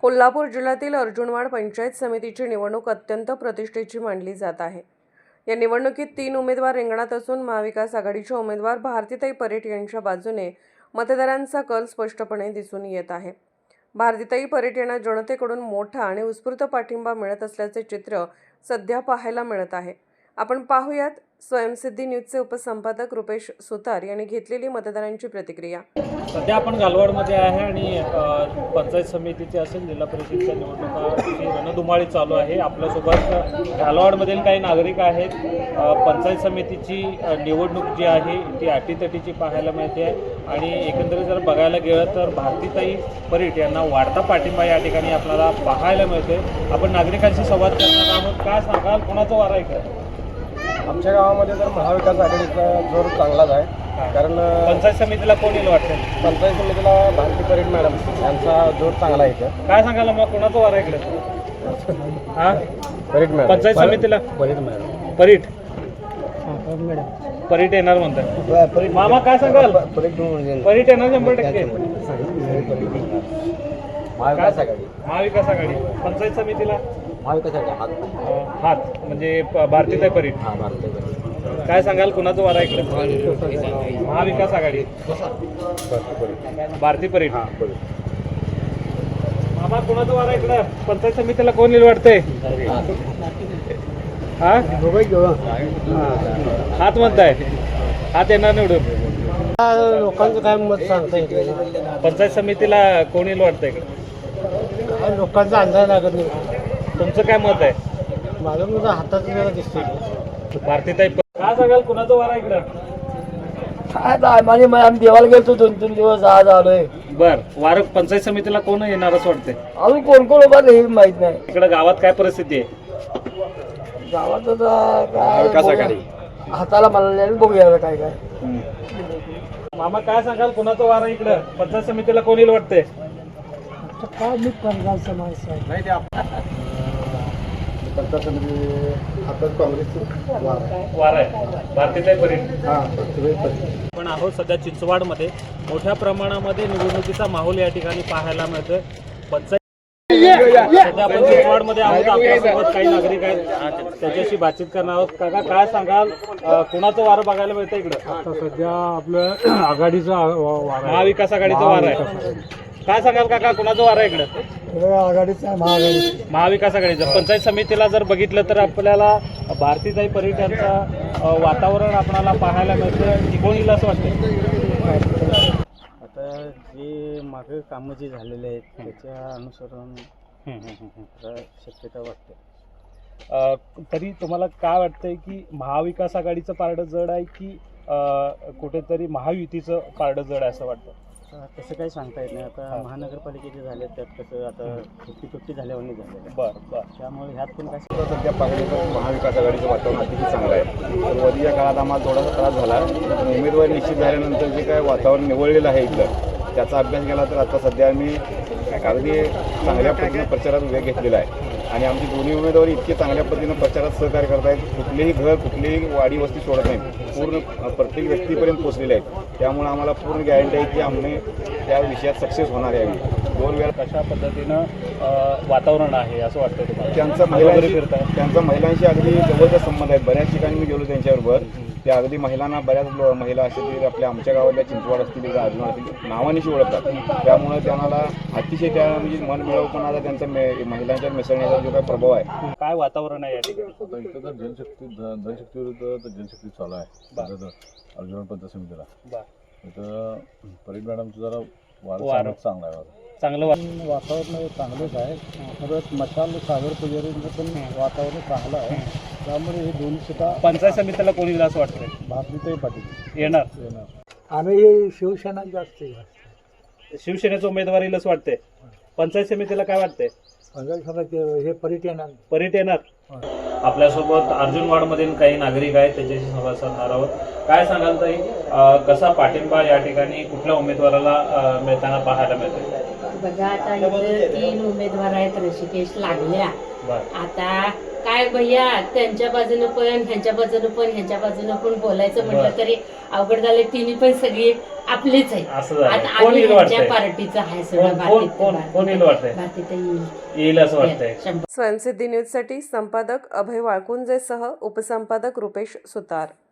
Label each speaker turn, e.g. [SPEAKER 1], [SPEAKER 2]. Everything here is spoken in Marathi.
[SPEAKER 1] कोल्हापूर जिल्ह्यातील अर्जुनवाड पंचायत समितीची निवडणूक अत्यंत प्रतिष्ठेची मानली जात आहे। या निवडणुकीत 3 उमेदवार रिंगणात असून महाविकास आघाडीच्या उमेदवार भारतीताई परीट यांच्या बाजूने मतदारांचा कल स्पष्टपणे दिसून येत आहे। भारतीताई परीट यांना जनतेकडून मोठा आणि उत्स्फूर्त पाठिंबा मिळत असल्याचे चित्र सध्या पाहायला मिळत आहे। आपण पाहूयात स्वयंसिद्धी न्यूजचे उपसंपादक रुपेश सुतार यांनी घेतलेली मतदारांची प्रतिक्रिया।
[SPEAKER 2] सध्या आपण गालवाडमध्ये आहे आणि पंचायत समितीचे असेल जिल्हा परिषदेच्या निवडणुकाची रणधुमाळी चालू आहे। आपल्यासोबत गालवाडमधील काही नागरिक आहेत। पंचायत समितीची निवडणूक जी आहे ती अटीतटीची पाहायला मिळते आणि एकंदरीत जर बघायला गेलं तर भारतीताई परीट यांना वाढता पाठिंबा या ठिकाणी आपल्याला पाहायला मिळते। आपण नागरिकांशी संवाद करणार आहोत। काय सांगाल, कोणाचा वारा आहे?
[SPEAKER 3] आमच्या गावामध्ये तर महाविकास आघाडीचा जोर चांगलाच आहे, कारण
[SPEAKER 2] पंचायत समितीला कोण येईल वाटतं?
[SPEAKER 3] पंचायत समितीला भारती परीट मॅडम यांचा जोर चांगला आहे इथं।
[SPEAKER 2] काय सांगाल मग, कोणाचा वारा इकडे? हा,
[SPEAKER 3] परीट मॅडम
[SPEAKER 2] पंचायत समितीला
[SPEAKER 3] परीट मॅडम
[SPEAKER 2] परीट परीट येणार म्हणतात। मामा काय सांगाल? परीट येणार 100%।
[SPEAKER 3] महाविकास आघाडी
[SPEAKER 2] पंचायत समितीला
[SPEAKER 3] महाविकास आघाडी
[SPEAKER 2] हात म्हणजे भारतीताई परीट। काय सांगाल, कुणाचं वारा इकडे? महाविकास आघाडी भारती परीट। मामा, कुणाचं वारा इकडं? पंचायत समितीला कोण येईल वाटतंय? हा, हात म्हणताय, हात येणार निवडून?
[SPEAKER 3] लोकांचं काय मत सांगता येते?
[SPEAKER 2] पंचायत समितीला कोण येईल वाटतंय इकडे?
[SPEAKER 3] लोकांचा अंदाज लागत नाही।
[SPEAKER 2] तुमचं काय मत आहे?
[SPEAKER 3] माझं मुलं हातात जरा दिसते
[SPEAKER 2] भारतीताई। काय सांगाल, कुणाचं वारा इकडं?
[SPEAKER 3] काय माझे आम्ही देवाला गेलो 2-3 दिवस आज आलोय।
[SPEAKER 2] बर, वार पंचायत समितीला कोण येणार असं वाटतंय?
[SPEAKER 3] अजून कोण कोण उभा हे माहित नाही।
[SPEAKER 2] इकडे गावात काय परिस्थिती आहे?
[SPEAKER 3] गावात काय हाताला मला बघूया काय काय।
[SPEAKER 2] मामा, काय सांगाल, कुणाचं वारा इकडं? पंचायत समितीला कोण येईल वाटतंय?
[SPEAKER 3] काय मी पंचायत समिती आता काँग्रेसचं
[SPEAKER 2] वारा आहे भारतीताई परीट। आपण आहोत सध्या चिंचवाडमध्ये। मोठ्या प्रमाणामध्ये निवडणुकीचा माहोल या ठिकाणी पाहायला मिळतोय। सध्या आपण चिंचवाडमध्ये आहोत। आपल्यासोबत काही नागरिक आहेत, त्याच्याशी बातचीत करणार आहोत। काका, काय सांगाल, कुणाचं वारं बघायला मिळतं इकडं?
[SPEAKER 3] आता सध्या आपलं आघाडीचा
[SPEAKER 2] महाविकास आघाडीचं वारं आहे। काय सांगाल काका, कुणाचं वारं आहे इकडं?
[SPEAKER 3] आघाडीचा
[SPEAKER 2] महाविकास आघाडीचं। पंचायत समितीला जर बघितलं तर आपल्याला भारतीताई परीट यांचं वातावरण आपल्याला पाहायला मिळतं। की कोण येईल असं वाटतं?
[SPEAKER 4] आता जे मागे कामं जी झालेले आहेत त्याच्या अनुसरून शक्यता वाटते।
[SPEAKER 2] तरी तुम्हाला काय वाटतंय की महाविकास आघाडीचं पारडं जड आहे की कुठेतरी महायुतीचं पारडं जड आहे असं वाटतं?
[SPEAKER 4] तसं काही सांगता येत नाही। आता महानगरपालिकेचे झाले त्यात कसं आता 50-50 झाल्यावर झालेलं आहे।
[SPEAKER 2] बरं,
[SPEAKER 4] त्यामुळे ह्यात पण काय
[SPEAKER 3] सध्या पाहिलं महाविकास आघाडीचं वातावरण अतिशय चांगलं आहे। सुरुवातीच्या काळात आम्हाला थोडासा त्रास झाला, उमेदवार निश्चित झाल्यानंतर जे काय वातावरण निवडलेलं आहे इथलं त्याचा अभ्यास केला तर आता सध्या आम्ही अगदी चांगल्या पद्धतीनं प्रचारात वेग घेतलेला आहे आणि आमची दोन्ही उमेदवार इतके चांगल्या पद्धतीनं प्रचारात सहकार्य करत आहेत। कुठलेही घर, कुठलीही वाडी वस्ती सोडत नाहीत, पूर्ण प्रत्येक व्यक्तीपर्यंत पोहोचलेले आहेत। त्यामुळे आम्हाला पूर्ण गॅरंटी आहे की आम्ही त्या विषयात सक्सेस होणार आहे। 2 वेळा
[SPEAKER 2] कशा पद्धतीनं वातावरण आहे असं वाटतं तुम्हाला?
[SPEAKER 3] त्यांचा महिलांशी अगदी जवळचा संबंध आहे। बऱ्याच ठिकाणी मी गेलो त्यांच्याबरोबर, त्या अगदी महिलांना बऱ्याच महिला असतील आपल्या आमच्या गावातल्या चिंचवाड असतील, अर्जुन असतील नावानिशी ओळखतात। त्यामुळे त्यांना अतिशय त्या म्हणजे मन मिळवपणाचा त्यांचा महिलांच्या मिसळण्याचा जो काही प्रभाव आहे।
[SPEAKER 2] काय वातावरण आहे या ठिकाणी?
[SPEAKER 5] इथं तर जनशक्ती विरुद्ध तर जनशक्ती चालू आहे अर्जुन पंचायत समितीला। इथं परीट मॅडमचं जरा वारं चांगला आहे।
[SPEAKER 2] चांगलं
[SPEAKER 5] वातावरण चांगलंच आहे। परत मशाल सागर पुजारींचं पण वातावरण चांगलं आहे। त्यामुळे हे दोन्ही सुद्धा
[SPEAKER 2] पंचायत समितीला कोणी येईल असं वाटतंय?
[SPEAKER 5] भारतीताई पाटील
[SPEAKER 2] येणार।
[SPEAKER 3] आम्ही शिवसेना जास्त
[SPEAKER 2] शिवसेनेचं उमेदवार येईल असं वाटतंय। पंचायत समितीला काय वाटतंय?
[SPEAKER 3] हे परीट येणार।
[SPEAKER 2] परीट येणार। आपल्यासोबत अर्जुनवाडमधील काही नागरिक आहेत, त्याच्याशी संवाद साधणार आहोत। काय सांगाल ताई, कसा पाठिंबा या ठिकाणी कुठल्या उमेदवाराला मिळताना पाहायला मिळतो?
[SPEAKER 6] बघा, आता इथे 3 उमेदवार आहेत, ऋषिकेश लागल्या। आता काय भैया त्यांच्या बाजूनं पण ह्यांच्या बाजूनं पण ह्यांच्या बाजूनं पण बोलायचं म्हटलं तरी अवघड झालं. तिन्ही पण सगळी आपलीच आहे.
[SPEAKER 2] असं झालं.
[SPEAKER 6] आता
[SPEAKER 2] कोण
[SPEAKER 6] आम्ही
[SPEAKER 2] येईल
[SPEAKER 6] ह्यांच्या
[SPEAKER 2] वाटतंय?
[SPEAKER 6] पार्टीचं आहे सगळं.
[SPEAKER 2] कोण येईल वाटतंय?
[SPEAKER 6] भारतीत
[SPEAKER 2] येईल असं वाटतंय.
[SPEAKER 6] शंभर.
[SPEAKER 1] स्वयंसिद्धी न्यूजसाठी संपादक अभय वाळकुंजेसह उपसंपादक रुपेश सुतार.